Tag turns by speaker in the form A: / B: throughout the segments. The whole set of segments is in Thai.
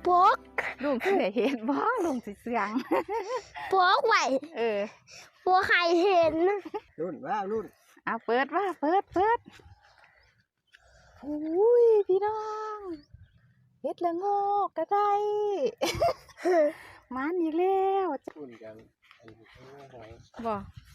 A: ปก
B: ลุงเคยเห็นบ้องลุงสิเสียง
A: ปกไว้บัวใครเห็น
C: รุ่นว่ารุ่น
B: เอาเปิดว่าเปิดอุ้ยพี่น้องเฮ็ดละโงกก็ได้มันอีกแล้ว
C: รุ่นกัน
B: บ่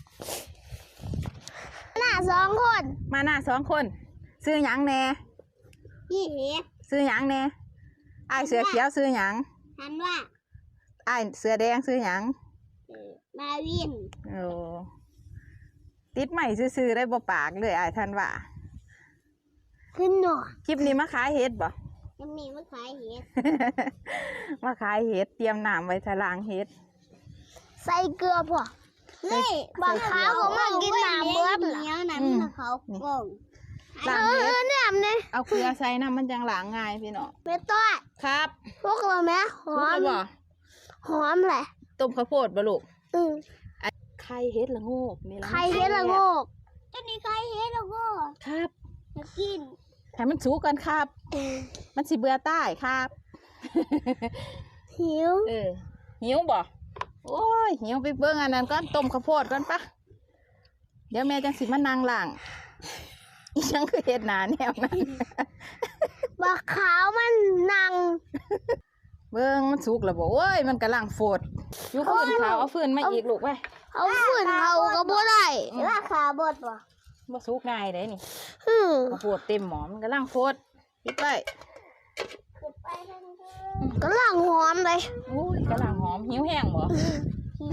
A: หน้า2 คน
B: มาหน้า2 คนซื้อหยังแน่
A: นี่
B: ซื้อหยังแน่อ้ายเสือเขียวซื้อหยัง
A: ทันว่า
B: อ้ายเสือแดงซื้อหยัง
A: มาวิน
B: โอ้ติดใหม่ซื้อได้บ่ปากเลยอ้ายท่านว่า
A: ขึ้นหน่อ
B: คลิปนี้มาขายเห็ดบ่
A: ยังมีมาขายเห็ด
B: มาขายเห็ดเตรียมน้ำไว้ทะลางเห็ด
A: ใส่เกลือพอนี่บางครั้งก็มากินน้ำเบิดเหนียวน้ำเขาโป่งเนี่ยมัน
B: เอาเกลือใส่น้ำมันจังหลางง่ายพี่น้อง
A: เม็ดต้อย
B: ครับ
A: พวกเราแม่หอมหอมแหละ
B: ต้มข้าวโพดบ่ลูกไข่เห็ดละโงกนี่ละ
A: ไข่เห็ดละโงกอันนี้ไข่เห็ดละโงก
B: ครับ
A: จะกิน
B: ให้มันสุกกันครับมันสิเบื่อใต้ครับ
A: หิว
B: หิวบ่โอ้ยหิวไปเบิ่งอันนั้นก่อนต้มข้าวโพดก่อนปะเดี๋ยวแม่จังสิมานั่งล่างอีหยังคือเห็ดหนาแนวนั้น
A: บักขาวมันนั่ง
B: เบิ่งมันสุกแล้วบ่โอ้ยมันกำลังโฟดอยู่ฟืนขาวเอาฟืนมาอีกลูกไป
A: เอาฟืนเขาก็บ่ได้ราคาบด
B: บ่สุกง่ายเด้นี่ข้าวโพดเต็มหม้อมันกำลังโฟดปิดไว้
A: กำลังหอมเลย
B: โอ้ยกำลังหอมหิวแห้งบ่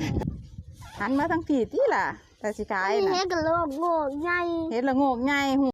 B: หันมาทางผีติล่ะแต่สิขายน่ะ
A: เฮ็ดละโงกใหญ่
B: เฮ็ดละโงกใหญ่